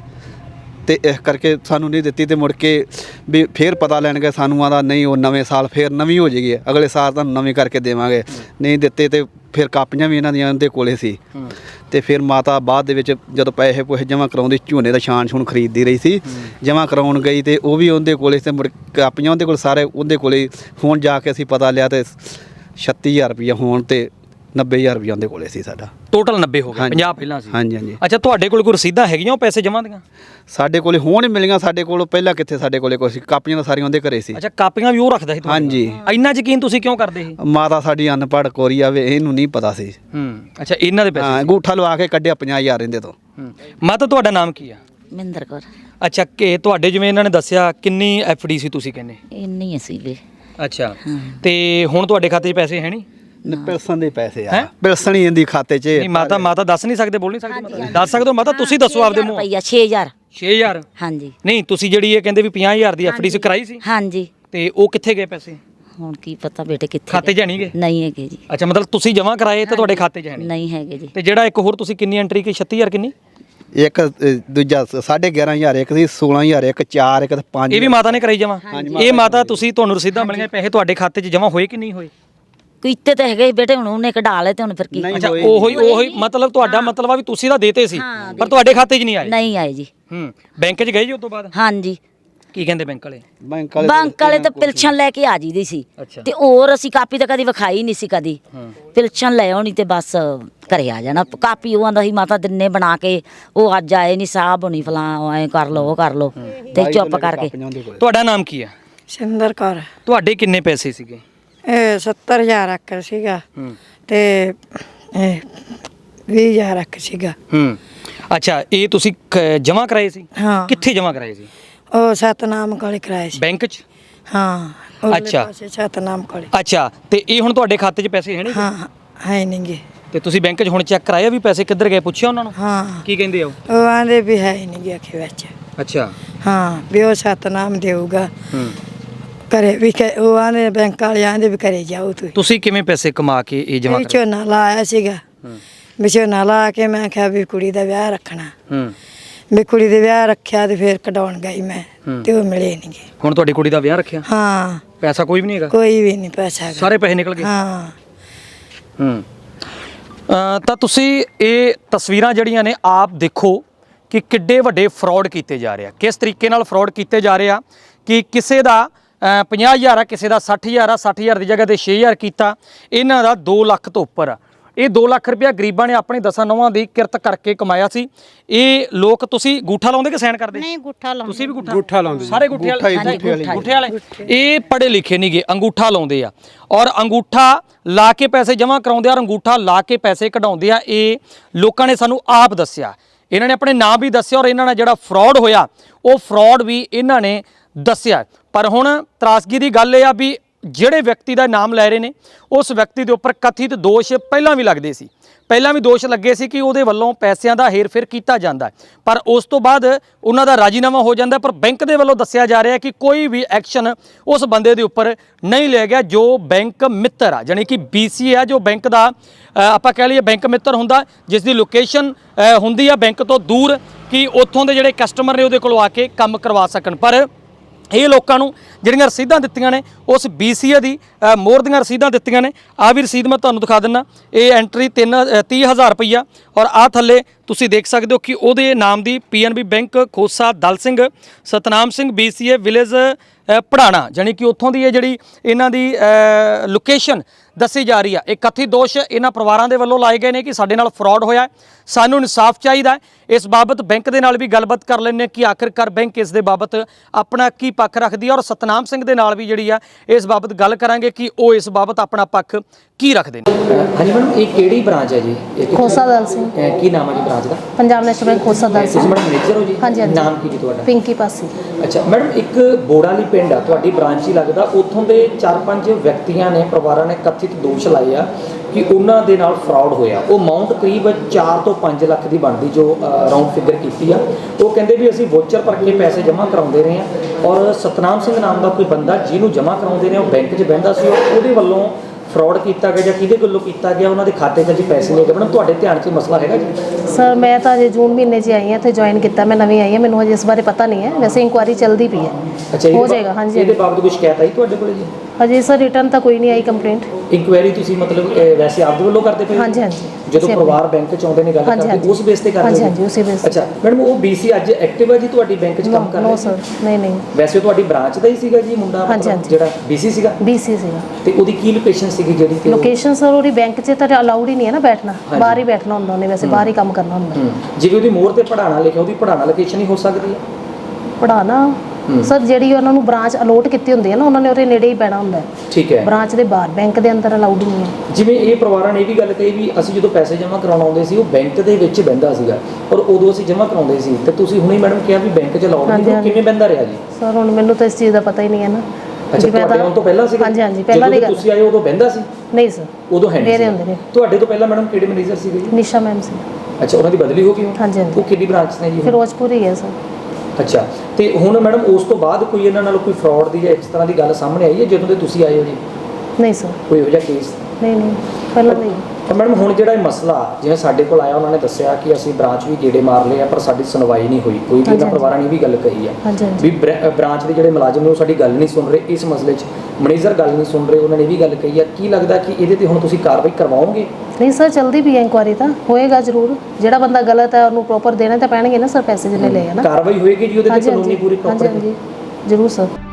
Speaker 5: ਤੇ ਇਸ ਕਰਕੇ ਸਾਨੂੰ ਨਹੀਂ ਦਿੱਤੀ। ਤੇ ਮੁੜ ਕੇ ਵੀ ਫੇਰ ਪਤਾ ਲੈਣ ਗਏ, ਸਾਨੂੰ ਆਂਦਾ ਨਹੀਂ ਉਹ ਨਵੇਂ ਸਾਲ ਫੇਰ ਨਵੀਂ ਹੋ ਜਾਏਗੀ, ਅਗਲੇ ਸਾਲ ਤੁਹਾਨੂੰ ਨਵੀਂ ਕਰਕੇ ਦੇਵਾਂਗੇ। ਨਹੀਂ ਦਿੱਤੇ ਤੇ ਫਿਰ ਕਾਪੀਆਂ ਵੀ ਇਹਨਾਂ ਦੀਆਂ ਉਹਦੇ ਕੋਲੇ ਸੀ। ਤੇ ਫਿਰ ਮਾਤਾ ਬਾਅਦ ਦੇ ਵਿੱਚ ਜਦੋਂ ਪੈਸੇ ਪੂਸੇ ਜਮ੍ਹਾਂ ਕਰਾਉਂਦੀ, ਝੋਨੇ ਦਾ ਛਾਣ ਛੂਣ ਖਰੀਦਦੀ ਰਹੀ ਸੀ, ਜਮ੍ਹਾਂ ਕਰਾਉਣ ਗਈ ਤੇ ਉਹ ਵੀ ਉਹਦੇ ਕੋਲੇ ਤੇ ਮੁੜ ਕਾਪੀਆਂ ਉਹਦੇ ਕੋਲ ਸਾਰੇ ਉਹਦੇ ਕੋਲੇ। ਹੁਣ ਜਾ ਕੇ ਅਸੀਂ ਪਤਾ ਲਿਆ ਤੇ ਛੱਤੀ ਹਜ਼ਾਰ ਰੁਪਈਆ ਹੋਣ ਤੇ ਨੱਬੇ ਹਜ਼ਾਰ ਰੁਪਈਆ ਉਹਦੇ ਕੋਲੇ ਸੀ ਸਾਡਾ।
Speaker 1: ਟੋਟਲ ਨੱਬੇ ਹੋ ਗਏ, ਪੰਜਾਹ ਪਹਿਲਾਂ ਸੀ।
Speaker 5: ਹਾਂਜੀ ਹਾਂਜੀ।
Speaker 1: ਅੱਛਾ, ਤੁਹਾਡੇ ਕੋਲ ਕੋਈ ਰਸੀਦਾਂ ਹੈਗੀਆਂ ਉਹ ਪੈਸੇ ਜਮ੍ਹਾਂ ਦੀਆਂ?
Speaker 5: ਸਾਡੇ ਕੋਲੇ ਹੁਣ ਹੀ ਮਿਲੀਆਂ, ਸਾਡੇ ਕੋਲ ਪਹਿਲਾਂ ਕਿੱਥੇ, ਸਾਡੇ ਕੋਲੇ ਕੋਈ ਕਾਪੀਆਂ ਤਾਂ ਸਾਰੀਆਂ ਉਹਦੇ ਘਰੇ ਸੀ।
Speaker 1: ਅੱਛਾ, ਕਾਪੀਆਂ ਵੀ ਉਹ ਰੱਖਦਾ ਸੀ ਤੁਹਾਡੇ ਕੋਲ?
Speaker 5: ਹਾਂਜੀ।
Speaker 1: ਇੰਨਾ ਯਕੀਨ ਤੁਸੀਂ ਕਿਉਂ ਕਰਦੇ ਸੀ?
Speaker 5: ਮਾਤਾ ਸਾਡੀ ਅਨਪੜ੍ਹ ਕੋਰੀ ਆਵੇ, ਇਹਨੂੰ ਨਹੀਂ ਪਤਾ ਸੀ।
Speaker 1: ਹੂੰ ਅੱਛਾ, ਇਹਨਾਂ ਦੇ ਪੈਸੇ?
Speaker 5: ਹਾਂ, ਅੰਗੂਠਾ ਲਵਾ ਕੇ ਕੱਢਿਆ ਪੰਜਾਹ ਹਜ਼ਾਰ ਇਹਦੇ ਤੋਂ।
Speaker 1: ਹੂੰ ਮਾਤਾ, ਤੁਹਾਡਾ ਨਾਮ ਕੀ ਆ?
Speaker 6: ਮਿੰਦਰ ਕੌਰ।
Speaker 1: ਅੱਛਾ, ਕਿ ਤੁਹਾਡੇ ਜਿਵੇਂ ਇਹਨਾਂ ਨੇ ਦੱਸਿਆ ਕਿੰਨੀ ਐਫ ਡੀ ਸੀ ਤੁਸੀਂ ਕਹਿੰਦੇ?
Speaker 6: ਇੰਨੀ ਅਸੀਂ ਵੀ।
Speaker 1: ਅੱਛਾ, ਤੇ ਹੁਣ ਤੁਹਾਡੇ ਖਾਤੇ 'ਚ ਪੈਸੇ ਹੈ ਨਹੀਂ?
Speaker 5: ਪਿਲਸਣ ਦੇ ਪੈਸੇ ਆ, ਪਿਲਸਣ ਹੀ ਇਹਦੀ ਖਾਤੇ 'ਚ।
Speaker 1: ਨਹੀਂ ਮਾਤਾ, ਮਾਤਾ ਦੱਸ ਨਹੀਂ ਸਕਦੇ, ਬੋਲ ਨਹੀਂ ਸਕਦੇ ਮਾਤਾ? ਦੱਸ ਸਕਦੇ ਹੋ ਮਾਤਾ? ਤੁਸੀਂ ਦੱਸੋ ਆਪਦੇ ਮੂੰਹ।
Speaker 6: ਰੁਪਈਆ ਛੇ ਹਜ਼ਾਰ।
Speaker 1: ਛੇ ਹਜ਼ਾਰ?
Speaker 6: ਹਾਂਜੀ।
Speaker 1: ਨਹੀਂ, ਤੁਸੀਂ ਜਿਹੜੀ ਇਹ ਕਹਿੰਦੇ ਵੀ ਪੰਜਾਹ ਹਜ਼ਾਰ ਦੀ ਐਫ ਡੀ ਸੀ ਕਰਾਈ ਸੀ,
Speaker 6: ਹਾਂਜੀ।
Speaker 1: ਤੇ ਉਹ ਕਿੱਥੇ ਗਏ ਪੈਸੇ?
Speaker 6: ਹੁਣ ਕੀ ਪਤਾ ਬੇਟੇ ਕਿੱਥੇ
Speaker 1: ਖਾਤੇ 'ਚ ਹੈ ਨਹੀਂ ਗਏ?
Speaker 6: ਨਹੀਂ ਹੈਗੇ ਜੀ।
Speaker 1: ਅੱਛਾ, ਮਤਲਬ ਤੁਸੀਂ ਜਮ੍ਹਾਂ ਕਰਾਏ ਤੇ ਤੁਹਾਡੇ ਖਾਤੇ 'ਚ ਹੈ ਨਹੀਂ?
Speaker 6: ਨਹੀਂ ਹੈਗੇ ਜੀ।
Speaker 1: ਤੇ ਜਿਹੜਾ ਇੱਕ ਹੋਰ ਤੁਸੀਂ ਕਿੰਨੀ ਐਂਟਰੀ ਕੀ, ਛੱਤੀ ਹਜ਼ਾਰ ਕਿੰਨੀ?
Speaker 5: ਇੱਕ ਅ, ਦੂਜਾ ਸਾਢੇ ਗਿਆਰਾਂ ਹਜ਼ਾਰ ਇੱਕ ਸੀ, ਸੋਲਾਂ ਹਜ਼ਾਰ ਇੱਕ, ਚਾਰ ਇੱਕ ਤੇ ਪੰਜ।
Speaker 1: ਇਹ ਵੀ ਮਾਤਾ ਨੇ ਕਰਾਈ ਜਮ੍ਹਾਂ? ਇਹ ਮਾਤਾ, ਤੁਸੀਂ ਤੁਹਾਨੂੰ ਰਸੀਦਾਂ ਮਿਲੀਆਂ, ਪੈਸੇ ਤੁਹਾਡੇ ਖਾਤੇ 'ਚ ਜਮ੍ਹਾਂ ਹੋਏ ਕਿ ਨਹੀਂ ਹੋਏ?
Speaker 6: ਕੀਤੇ ਤਾਂ ਹੈਗੇ ਬੇਟੇ, ਹੁਣ ਉਹਨੇ ਕਢਾ ਲਏ ਤੇ ਹੁਣ ਫਿਰ ਕੀ?
Speaker 1: ਅੱਛਾ, ਉਹੀ ਉਹੀ ਮਤਲਬ ਤੁਹਾਡਾ ਮਤਲਬ ਆ ਵੀ ਤੁਸੀਂ ਤਾਂ ਦੇਤੇ ਸੀ ਪਰ ਤੁਹਾਡੇ ਖਾਤੇ 'ਚ ਨਹੀਂ ਆਏ?
Speaker 6: ਨਹੀਂ ਆਏ ਜੀ।
Speaker 1: ਹੂੰ ਬੈਂਕ 'ਚ ਗਏ ਜੀ ਉਸ ਤੋਂ ਬਾਅਦ?
Speaker 6: ਹਾਂਜੀ।
Speaker 1: ਕੀ ਕਹਿੰਦੇ ਬੈਂਕ ਵਾਲੇ?
Speaker 5: ਬੈਂਕ ਵਾਲੇ
Speaker 6: ਬੈਂਕ ਵਾਲੇ ਤਾਂ ਪਿਲਸ਼ਨ ਲੈ ਕੇ ਆ ਜੀਦੀ ਸੀ। ਤੇ ਹੋਰ ਅਸੀਂ ਕਾਪੀ ਤਾਂ ਕਦੀ ਵਿਖਾਈ ਨਹੀਂ ਸੀ ਕਦੀ। ਪਿਲਸ਼ਨ ਲੈ ਆਉਣੀ ਤੇ ਬਸ ਘਰੇ ਆ ਜਾਣਾ। ਕਾਪੀ ਉਹ ਆਂਦਾ ਸੀ ਮਾਤਾ ਦਿਨੇ ਬਣਾ ਕੇ, ਉਹ ਅੱਜ ਆਏ ਨਹੀਂ, ਸਾਹਿਬ ਹੋਣੀ ਫਲਾਂ ਐਂ ਕਰ ਲਓ ਉਹ ਕਰ ਲਓ, ਤੇ ਚੁੱਪ ਕਰਕੇ।
Speaker 1: ਤੁਹਾਡਾ ਨਾਮ ਕੀ ਹੈ?
Speaker 3: ਸਿੰਦਰ ਕੌਰ।
Speaker 1: ਤੁਹਾਡੇ ਕਿੰਨੇ ਪੈਸੇ ਸੀਗੇ?
Speaker 3: ਇਹ ਸੱਤਰ ਹਜ਼ਾਰ ਅੱਖ ਸੀਗਾ ਤੇ ਇਹ ਵੀਹ ਹਜ਼ਾਰ ਅੱਖ ਸੀਗਾ।
Speaker 1: ਹੂੰ ਅੱਛਾ, ਇਹ ਤੁਸੀਂ ਜਮ੍ਹਾਂ ਕਰਾਏ ਸੀ?
Speaker 3: ਹਾਂ।
Speaker 1: ਕਿੱਥੇ ਜਮ੍ਹਾਂ ਕਰਾਏ ਸੀ?
Speaker 3: ਉਹ ਸਤਨਾਮ ਕੋਲੇ ਕਰਾਏ ਸੀ।
Speaker 1: ਬੈਂਕ 'ਚ?
Speaker 3: ਹਾਂ।
Speaker 1: ਅੱਛਾ।
Speaker 3: ਸਤਨਾਮ ਕੋਲੇ।
Speaker 1: ਅੱਛਾ, ਤੇ ਇਹ ਹੁਣ ਤੁਹਾਡੇ ਖਾਤੇ 'ਚ ਪੈਸੇ ਹੈ ਨਹੀਂ?
Speaker 3: ਹਾਂ, ਹੈ ਨਹੀਂ ਗੇ।
Speaker 1: ਤੇ ਤੁਸੀਂ ਬੈਂਕ 'ਚ ਹੁਣ ਚੈੱਕ ਕਰਾਇਆ ਵੀ ਪੈਸੇ ਕਿੱਧਰ ਗਏ, ਪੁੱਛਿਆ ਉਹਨਾਂ ਨੂੰ?
Speaker 3: ਹਾਂ।
Speaker 1: ਕੀ ਕਹਿੰਦੇ ਹੋ?
Speaker 3: ਉਹ ਆਂਦੇ ਵੀ ਹੈ ਹੀ ਨਹੀਂ ਗੇ ਅੱਖੇ ਵਿੱਚ।
Speaker 1: ਅੱਛਾ।
Speaker 3: ਹਾਂ, ਵੀ ਉਹ ਸਤਨਾਮ ਦੇਊਗਾ।
Speaker 1: ਹੂੰ
Speaker 3: ਘਰੇ ਵੀ ਕ- ਉਹ ਆਂਦੇ ਬੈਂਕ ਵਾਲੇ ਆਂਦੇ ਵੀ ਘਰੇ ਜਾਓ ਤੁਸੀਂ
Speaker 1: ਤੁਸੀਂ ਕਿਵੇਂ ਪੈਸੇ ਕਮਾ ਕੇ ਇਹ ਜਮ੍ਹਾਂ
Speaker 3: ਇਹ
Speaker 1: ਕਰ
Speaker 3: ਝੋਨਾ ਲਾਇਆ ਸੀਗਾ ਵੀ ਝੋਨਾ ਲਾ ਕੇ ਮੈਂ ਕਿਹਾ ਵੀ ਕੁੜੀ ਦਾ ਵਿਆਹ ਰੱਖਣਾ
Speaker 1: ਹੂੰ
Speaker 3: ਵੀ ਕੁੜੀ ਦੇ ਵਿਆਹ ਰੱਖਿਆ ਤੇ ਫਿਰ ਕਢਾਉਣ ਗਈ ਮੈਂ ਤੇ ਉਹ ਮਿਲੇ ਨਹੀਂ ਗੇ।
Speaker 1: ਹੁਣ ਤੁਹਾਡੀ ਕੁੜੀ ਦਾ ਵਿਆਹ ਰੱਖਿਆ
Speaker 3: ਹਾਂ
Speaker 1: ਪੈਸਾ ਕੋਈ ਵੀ ਨਹੀਂ ਹੈਗਾ
Speaker 3: ਕੋਈ ਵੀ ਨਹੀਂ ਪੈਸਾ ਹੈਗਾ।
Speaker 1: ਸਾਰੇ ਪੈਸੇ ਨਿਕਲ ਗਏ
Speaker 3: ਹਾਂ
Speaker 1: ਹੂੰ ਅ, ਤਾਂ ਤੁਸੀਂ ਇਹ ਤਸਵੀਰਾਂ ਜਿਹੜੀਆਂ ਨੇ ਆਪ ਦੇਖੋ ਕਿ ਕਿੱਡੇ ਵੱਡੇ ਫਰਾਡ ਕੀਤੇ ਜਾ ਰਹੇ ਆ ਕਿਸ ਤਰੀਕੇ ਨਾਲ ਫਰਾਡ ਕੀਤੇ ਜਾ ਰਹੇ ਆ ਕਿ ਕਿਸੇ ਦਾ ਅ, ਪੰਜਾਹ ਹਜ਼ਾਰ ਆ ਕਿਸੇ ਦਾ ਸੱਠ ਹਜ਼ਾਰ ਆ ਸੱਠ ਹਜ਼ਾਰ ਦੀ ਜਗ੍ਹਾ ਤੇ ਛੇ ਹਜ਼ਾਰ ਕੀਤਾ ਇਹਨਾਂ ਦਾ ਦੋ ਲੱਖ ਤੋਂ ਉੱਪਰ ਆ ਇਹ ਦੋ ਲੱਖ ਰੁਪਇਆ ਗਰੀਬਾਂ ਨੇ ਆਪਣੇ ਦਸਾਂ ਨੌਵਾਂ ਦੀ ਕਿਰਤ ਕਰਕੇ ਕਮਾਇਆ ਸੀ ਇਹ ਲੋਕ ਤੁਸੀਂ ਗੂਠਾ ਲਾਉਂਦੇ ਕਿ ਸਾਈਨ ਕਰਦੇ
Speaker 4: ਨਹੀਂ ਗੁੱਠਾ ਲਾਉਂਦੇ
Speaker 1: ਤੁਸੀਂ ਵੀ ਗੂਠਾ
Speaker 2: ਗੂਠਾ ਲਾਉਂਦੇ
Speaker 1: ਸਾਰੇ ਗੂਠੇ ਵਾਲੇ ਗੂਠੇ ਵਾਲੇ ਇਹ ਪੜ੍ਹੇ ਲਿਖੇ ਨਹੀਂਗੇ ਅੰਗੂਠਾ ਲਾਉਂਦੇ ਆ ਔਰ ਅੰਗੂਠਾ ਲਾ ਕੇ ਪੈਸੇ ਜਮ੍ਹਾਂ ਕਰਾਉਂਦੇ ਆ ਔਰ ਅੰਗੂਠਾ ਲਾ ਕੇ ਪੈਸੇ ਕਢਾਉਂਦੇ ਆ ਇਹ ਲੋਕਾਂ ਨੇ ਸਾਨੂੰ ਆਪ ਦੱਸਿਆ ਇਹਨਾਂ ਨੇ ਆਪਣੇ ਨਾਮ ਵੀ ਦੱਸਿਆ ਔਰ ਇਹਨਾਂ ਨਾਲ ਜਿਹੜਾ ਫਰਾਡ ਹੋਇਆ ਉਹ ਫਰਾਡ ਵੀ ਇਹਨਾਂ ਨੇ ਦੱਸਿਆ ਪਰ ਹੁਣ ਤਰਾਸਗੀ ਦੀ ਗੱਲ ਇਹ ਆ ਵੀ ਜਿਹੜੇ ਵਿਅਕਤੀ ਦਾ ਨਾਮ ਲੈ ਰਹੇ ਨੇ ਉਸ ਵਿਅਕਤੀ ਦੇ ਉੱਪਰ ਕਥਿਤ ਦੋਸ਼ ਪਹਿਲਾਂ ਵੀ ਲੱਗਦੇ ਸੀ ਪਹਿਲਾਂ ਵੀ ਦੋਸ਼ ਲੱਗੇ ਸੀ ਕਿ ਉਹਦੇ ਵੱਲੋਂ ਪੈਸਿਆਂ ਦਾ ਹੇਰ-ਫੇਰ ਕੀਤਾ ਜਾਂਦਾ ਪਰ ਉਸ ਤੋਂ ਬਾਅਦ ਉਹਨਾਂ ਦਾ ਰਾਜੀਨਾਮਾ ਹੋ ਜਾਂਦਾ ਪਰ ਬੈਂਕ ਦੇ ਵੱਲੋਂ ਦੱਸਿਆ ਜਾ ਰਿਹਾ ਕਿ ਕੋਈ ਵੀ ਐਕਸ਼ਨ ਉਸ ਬੰਦੇ ਦੇ ਉੱਪਰ ਨਹੀਂ ਲਿਆ ਗਿਆ ਜੋ ਬੈਂਕ ਮਿੱਤਰ ਆ ਜਾਣੀ ਕਿ ਬੀਸੀ ਹੈ ਜੋ ਬੈਂਕ ਦਾ ਅ, ਆਪਾਂ ਕਹਿ ਲਈਏ ਬੈਂਕ ਮਿੱਤਰ ਹੁੰਦਾ ਜਿਸ ਦੀ ਲੋਕੇਸ਼ਨ ਹੁੰਦੀ ਆ ਬੈਂਕ ਤੋਂ ਦੂਰ ਕਿ ਉੱਥੋਂ ਦੇ ਜਿਹੜੇ ਕਸਟਮਰ ਨੇ ਉਹਦੇ ਕੋਲੋਂ ਆ ਕੇ ਕੰਮ ਕਰਵਾ ਸਕਣ ਪਰ ਇਹ ਲੋਕਾਂ ਨੂੰ ਜਿਹੜੀਆਂ ਰਸੀਦਾਂ ਦਿੱਤੀਆਂ ਨੇ ਉਸ ਬੀਸੀਏ ਦੀ ਅ, ਮੋਹਰ ਦੀਆਂ ਰਸੀਦਾਂ ਦਿੱਤੀਆਂ ਨੇ ਆ ਵੀ ਰਸੀਦ ਮੈਂ ਤੁਹਾਨੂੰ ਦਿਖਾ ਦਿੰਦਾ ਇਹ ਐਂਟਰੀ ਤਿੰਨ ਤੀਹ ਹਜ਼ਾਰ ਰੁਪਈਆ ਔਰ ਆ ਥੱਲੇ ਤੁਸੀਂ ਦੇਖ ਸਕਦੇ ਹੋ ਕਿ ਉਹਦੇ ਨਾਮ ਦੀ PNB bank Khosa Dal Singh Satnam Singh BCA village ਅ, ਪੜਾਣਾ ਜਾਣੀ ਕਿ ਉੱਥੋਂ ਦੀ ਇਹ ਜਿਹੜੀ ਇਹਨਾਂ ਦੀ ਲੋਕੇਸ਼ਨ ਦੱਸੀ ਜਾ ਰਹੀ ਆ ਇਹ ਕਥਿਤ ਦੋਸ਼ ਇਹਨਾਂ ਪਰਿਵਾਰਾਂ ਦੇ ਵੱਲੋਂ ਲਾਏ ਗਏ ਨੇ ਕਿ ਸਾਡੇ ਨਾਲ ਫਰਾਡ ਹੋਇਆ ਸਾਨੂੰ ਇਨਸਾਫ ਚਾਹੀਦਾ ਇਸ ਬਾਬਤ ਬੈਂਕ ਦੇ ਨਾਲ ਵੀ ਗੱਲਬਾਤ ਕਰ ਲੈਣੇ ਕਿ ਆਖਿਰਕਾਰ ਬੈਂਕ ਇਸ ਦੇ ਬਾਬਤ ਆਪਣਾ ਕੀ ਪੱਖ ਰੱਖਦੀ ਹੈ ਔਰ ਸਤਨਾਮ ਸਿੰਘ ਦੇ ਨਾਲ ਵੀ ਜਿਹੜੀ ਆ ਇਸ ਬਾਬਤ ਗੱਲ ਕਰਾਂਗੇ ਕਿ ਉਹ ਇਸ ਬਾਬਤ ਆਪਣਾ ਪੱਖ ਕੀ ਰੱਖਦੇ ਨੇ ਹਾਂਜੀ ਮੈਡਮ ਇਹ ਕਿਹੜੀ ਬ੍ਰਾਂਚ ਹੈ ਜੀ
Speaker 7: ਖੋਸਾ ਦਲ ਸਿੰਘ
Speaker 1: ਕੀ ਨਾਮ ਹੈ ਜੀ ਬ੍ਰਾਂਚ ਦਾ
Speaker 7: Punjab National Bank Khosa Dal Singh
Speaker 1: madam manager ਹੋ ਜੀ
Speaker 7: ਹਾਂਜੀ, ਹਾਂਜੀ।
Speaker 1: ਨਾਮ ਕੀ ਜੀ ਤੁਹਾਡਾ
Speaker 7: ਪਿੰਕੀ ਪਾਸੀ
Speaker 1: ਅੱਛਾ ਮੈਡਮ ਇੱਕ ਬੋੜਾਲੀ ਪਿੰਡ ਆ ਤੁਹਾਡੀ ਬ੍ਰਾਂਚ ਹੀ ਲੱਗਦਾ ਉੱਥੋਂ ਦੇ ਚਾਰ ਪੰਜ ਵਿਅਕਤੀਆਂ ਨੇ ਪਰਿਵਾਰਾਂ ਨੇ ਕਥਿਤ ਦੋਸ਼ ਲਾਏ ਆ ਕਿ ਉਹਨਾਂ ਦੇ ਨਾਲ ਫਰਾਡ ਹੋਇਆ ਉਹ ਅਮਾਉਂਟ ਕਰੀਬ ਚਾਰ ਤੋਂ ਪੰਜ ਲੱਖ ਦੀ ਬਣਦੀ ਜੋ ਰਾਉਂਡ ਫਿਗਰ ਕੀਤੀ ਆ ਉਹ ਕਹਿੰਦੇ ਵੀ ਅਸੀਂ ਵੋਚਰ ਭਰ ਕੇ ਪੈਸੇ ਜਮ੍ਹਾਂ ਕਰਾਉਂਦੇ ਰਹੇ ਆ ਔਰ ਸਤਨਾਮ ਸਿੰਘ ਨਾਮ ਦਾ ਕੋਈ ਬੰਦਾ ਜਿਹਨੂੰ ਜਮ੍ਹਾਂ ਕਰਾਉਂਦੇ ਨੇ ਉਹ ਬੈਂਕ 'ਚ ਬਹਿੰਦਾ ਸੀ ਔਰ ਉਹਦੇ ਵੱਲੋਂ ਫਰਾਡ ਕੀਤਾ ਗਿਆ ਜਾਂ ਕਿਹਦੇ ਵੱਲੋਂ ਕੀਤਾ ਗਿਆ ਉਹਨਾਂ ਦੇ ਖਾਤੇ 'ਚ ਜੀ ਪੈਸੇ ਨਹੀਂ ਗਏ ਮੈਡਮ ਤੁਹਾਡੇ ਧਿਆਨ 'ਚ ਮਸਲਾ ਹੈਗਾ ਜੀ
Speaker 7: ਸਰ ਮੈਂ ਤਾਂ ਅਜੇ ਜੂਨ ਮਹੀਨੇ 'ਚ ਆਈ ਹਾਂ ਇੱਥੇ ਜੁਆਇਨ ਕੀਤਾ ਮੈਂ ਨਵੀਂ ਆਈ ਹਾਂ ਮੈਨੂੰ ਹਜੇ ਇਸ ਬਾਰੇ ਪਤਾ ਨਹੀਂ ਹੈ ਵੈਸੇ ਇਨਕੁਆਇਰੀ ਚੱਲਦੀ ਪਈ ਹੈ
Speaker 1: ਅੱਛਾ
Speaker 7: ਹੋ ਜਾਏਗਾ ਹਾਂਜੀ
Speaker 1: ਇਹਦੇ ਬਾਬਤ ਕੋਈ ਸ਼ਿਕਾਇਤ ਆਈ ਤੁਹਾਡੇ ਕੋਲ ਜੀ
Speaker 7: ਹਜੇ ਸਰ ਰਿਟਰਨ ਤਾਂ ਕੋਈ ਨਹੀਂ ਆਈ ਕੰਪਲੇਂਟ
Speaker 1: ਇਨਕੁਆਇਰੀ ਤੁਸੀਂ ਮਤਲਬ ਅਹ, ਵੈਸੇ ਆਪ ਦੇ ਵੱਲੋਂ ਕਰਦੇ ਪਏ ਹੋ?
Speaker 7: ਹਾਂਜੀ ਹਾਂਜੀ
Speaker 1: ਜਦੋਂ ਪਰਿਵਾਰ ਬੈਂਕ 'ਚ ਆਉਂਦੇ ਨੇ ਗੱਲ
Speaker 7: ਹਾਂਜੀ,
Speaker 1: ਕਰਦੇ
Speaker 7: ਹਾਂਜੀ।
Speaker 1: ਉਸ ਬੇਸ ਤੇ ਕਰਦੇ
Speaker 7: ਹਾਂਜੀ
Speaker 1: ਹੋ?
Speaker 7: ਹਾਂਜੀ ਉਸੇ ਬੇਸ
Speaker 1: ਅੱਛਾ ਮੈਡਮ ਉਹ ਬੀਸੀ ਅੱਜ ਐਕਟਿਵ ਹੈ ਜੀ ਤੁਹਾਡੀ ਬੈਂਕ 'ਚ ਕੰਮ ਕਰ
Speaker 7: ਨੋ
Speaker 1: ਰਿਹਾ
Speaker 7: ਸਰ ਨਹੀਂ ਨਹੀਂ
Speaker 1: ਵੈਸੇ ਉਹ ਤੁਹਾਡੀ ਬ੍ਰਾਂਚ ਦਾ ਹੀ ਸੀਗਾ ਜੀ ਮੁੰਡਾ
Speaker 7: ਹਾਂਜੀ,
Speaker 1: ਮਤਲਬ
Speaker 7: ਹਾਂਜੀ।
Speaker 1: ਜਿਹੜਾ ਬੀਸੀ ਸੀਗਾ
Speaker 7: ਬੀਸੀ ਸੀਗਾ
Speaker 1: ਤੇ ਉਹਦੀ ਕੀ ਲੋਕੇਸ਼ਨ ਸੀਗੀ ਜਿਹੜੀ ਤੇ ਉਹ-
Speaker 7: ਲੋਕੇਸ਼ਨ ਸਰ ਉਹਦੀ ਬੈਂਕ 'ਚ ਤਾਂ ਅਲਾਉਡ ਹੀ ਨਹੀਂ ਹੈ ਨਾ ਬੈਠਣਾ ਬਾਹਰ ਹੀ ਬੈਠਣਾ ਹੁੰਦਾ ਉਹਨੇ ਵੈਸੇ ਬਾਹਰ ਹੀ ਕੰਮ ਕਰਨਾ ਹੁੰਦਾ
Speaker 1: ਹੂੰ। ਜਿਵੇਂ ਉਹਦੀ ਮੋਹਰ ਤੇ ਪੜਾਣਾ ਲਿਖਿਆ ਉਹਦੀ ਪੜਾਣਾ ਲੋਕੇਸ਼ਨ ਹੀ ਹੋ ਸਕਦੀ ਹੈ
Speaker 7: ਪੜਾਣਾ ਸਰ ਜਿਹੜੀ ਉਹਨਾਂ ਨੂੰ ਬ੍ਰਾਂਚ ਅਲੋਟ ਕੀਤੀ ਹੁੰਦੀ ਹੈ ਨਾ ਉਹਨਾਂ ਨੇ ਉਹਦੇ ਨੇੜੇ ਹੀ ਪੈਣਾ ਹੁੰਦਾ ਹੈ
Speaker 1: ਠੀਕ ਹੈ
Speaker 7: ਬ੍ਰਾਂਚ ਦੇ ਬਾਹਰ ਬੈਂਕ ਦੇ ਅੰਦਰ ਅਲਾਉਡ ਨਹੀਂ ਹੈ
Speaker 1: ਜਿਵੇਂ ਇਹ ਪਰਿਵਾਰਾਂ ਨੇ ਇਹ ਵੀ ਗੱਲ ਕਹੀ ਵੀ ਅਸੀਂ ਜਦੋਂ ਪੈਸੇ ਜਮ੍ਹਾਂ ਕਰਾਉਣ ਆਉਂਦੇ ਸੀ ਉਹ ਬੈਂਕ ਦੇ ਵਿੱਚ ਬਹਿੰਦਾ ਸੀਗਾ ਔਰ ਉਦੋਂ ਅਸੀਂ ਜਮ੍ਹਾਂ ਕਰਾਉਂਦੇ ਸੀ ਤੇ ਤੁਸੀਂ ਹੁਣੇ ਮੈਡਮ ਕਿਹਾ ਵੀ ਬੈਂਕ 'ਚ ਅਲਾਉਡ ਨਹੀਂ ਉਹ ਕਿਵੇਂ ਬਹਿੰਦਾ ਰਿਹਾ ਜੀ
Speaker 7: ਸਰ ਹੁਣ ਮੈਨੂੰ ਤਾਂ ਇਸ ਚੀਜ਼ ਦਾ ਪਤਾ ਹੀ ਨਹੀਂ ਹੈ ਨਾ
Speaker 1: ਅੱਛਾ ਤੁਹਾਡੇ ਆਉਣ ਤੋਂ ਪਹਿਲਾਂ ਸੀਗਾ
Speaker 7: ਹਾਂਜੀ ਹਾਂਜੀ ਪਹਿਲਾਂ ਦੀ
Speaker 1: ਜਦੋਂ
Speaker 7: ਗੱਲ
Speaker 1: ਤੁਸੀਂ ਆਏ ਉਦੋਂ ਬਹਿੰਦਾ ਸੀ
Speaker 7: ਨਹੀਂ ਸਰ
Speaker 1: ਉਦੋਂ ਹੈ ਨਹੀਂ
Speaker 7: ਮੇਰੇ
Speaker 1: ਸੀ।
Speaker 7: ਹੁੰਦੇ ਨੇ
Speaker 1: ਤੁਹਾਡੇ ਤੋਂ ਪਹਿਲਾਂ ਮੈਡਮ ਕਿਹੜੇ ਮੈਨੇਜਰ ਸੀਗੇ ਜੀ
Speaker 7: ਨਿਸ਼ਾ ਮੈਮ ਸੀ
Speaker 1: ਅੱਛਾ ਉਹਨਾਂ ਦੀ ਬਦਲੀ ਹੋ ਗਈ ਹੁਣ
Speaker 7: ਹਾਂਜੀ ਹਾਂਜੀ
Speaker 1: ਉਹ ਕਿਹੜੀ ਬ੍ਰਾਂਚ ਨੇ ਜੀ ਹੁਣ?
Speaker 7: ਫਿਰੋਜ਼ਪੁਰ ਹੀ ਹੈ ਸਰ
Speaker 1: ਅੱਛਾ ਤੇ ਹੁਣ ਮੈਡਮ ਉਸ ਤੋਂ ਬਾਅਦ ਕੋਈ ਇਹਨਾਂ ਨਾਲ ਕੋਈ ਫਰਾਡ ਦੀ ਜਾਂ ਇਸ ਤਰ੍ਹਾਂ ਦੀ ਗੱਲ ਸਾਹਮਣੇ ਆਈ ਹੈ ਜਦੋਂ ਦੇ ਤੁਸੀਂ ਆਏ ਹੋ ਜੀ
Speaker 7: ਨਹੀਂ ਸਰ
Speaker 1: ਕੋਈ ਇਹੋ ਜਿਹਾ ਕੇਸ
Speaker 7: ਨਹੀਂ ਨਹੀਂ ਪਹਿਲਾਂ ਨਹੀਂ
Speaker 1: ਤਾਂ ਮੈਡਮ ਹੁਣ ਜਿਹੜਾ ਇਹ ਮਸਲਾ ਜਿਵੇਂ ਸਾਡੇ ਕੋਲ ਆਇਆ ਉਹਨਾਂ ਨੇ ਦੱਸਿਆ ਕਿ ਅਸੀਂ ਬ੍ਰਾਂਚ ਵੀ ਗੇੜੇ ਮਾਰ ਲਏ ਆ ਪਰ ਸਾਡੀ ਸੁਣਵਾਈ ਨਹੀਂ ਹੋਈ ਕੋਈ ਵੀ ਇਹਨਾਂ
Speaker 7: ਹਾਂਜੀ।
Speaker 1: ਪਰਿਵਾਰਾਂ ਨੇ ਇਹ ਵੀ ਗੱਲ ਕਹੀ ਆ
Speaker 7: ਹਾਂਜੀ ਹਾਂਜੀ
Speaker 1: ਵੀ ਬ੍ਰ- ਬ੍ਰਾਂਚ ਦੇ ਜਿਹੜੇ ਮੁਲਾਜ਼ਮ ਨੇ ਉਹ ਸਾਡੀ ਗੱਲ ਨਹੀਂ ਸੁਣ ਰਹੇ ਇਸ ਮਸਲੇ 'ਚ ਮੈਨੇਜਰ ਗੱਲ ਨਹੀਂ ਸੁਣ ਰਹੇ ਉਹਨਾਂ ਨੇ ਇਹ ਵੀ ਗੱਲ ਕਹੀ ਆ ਕੀ ਲੱਗਦਾ ਕਿ ਇਹਦੇ ਤੇ ਹੁਣ ਤੁਸੀਂ ਕਾਰਵਾਈ ਕਰਵਾਓਗੇ
Speaker 7: ਨਹੀਂ ਸਰ ਜਲਦੀ ਵੀ ਇਨਕੁਆਰੀ ਤਾਂ ਹੋਏਗਾ ਜ਼ਰੂਰ ਜਿਹੜਾ ਬੰਦਾ ਗਲਤ ਹੈ ਉਹਨੂੰ ਪ੍ਰੋਪਰ ਦੇਣੇ ਤਾਂ ਪੈਣਗੇ ਨਾ ਸਰ ਪੈਸੇ ਜਿੰਨੇ ਲਏ ਹੈ ਨਾ
Speaker 1: ਕਾਰਵਾਈ ਹੋਏਗੀ ਜੀ ਉਹਦੇ ਤੇ
Speaker 7: ਹਾਂਜੀ
Speaker 1: ਕਾਨੂੰਨੀ
Speaker 7: ਹਾਂਜੀ
Speaker 1: ਪੂਰੀ
Speaker 7: ਹਾਂਜੀ
Speaker 1: ਪ੍ਰੋਪਰ
Speaker 7: ਹਾਂਜੀ ਜ਼ਰੂਰ ਸਰ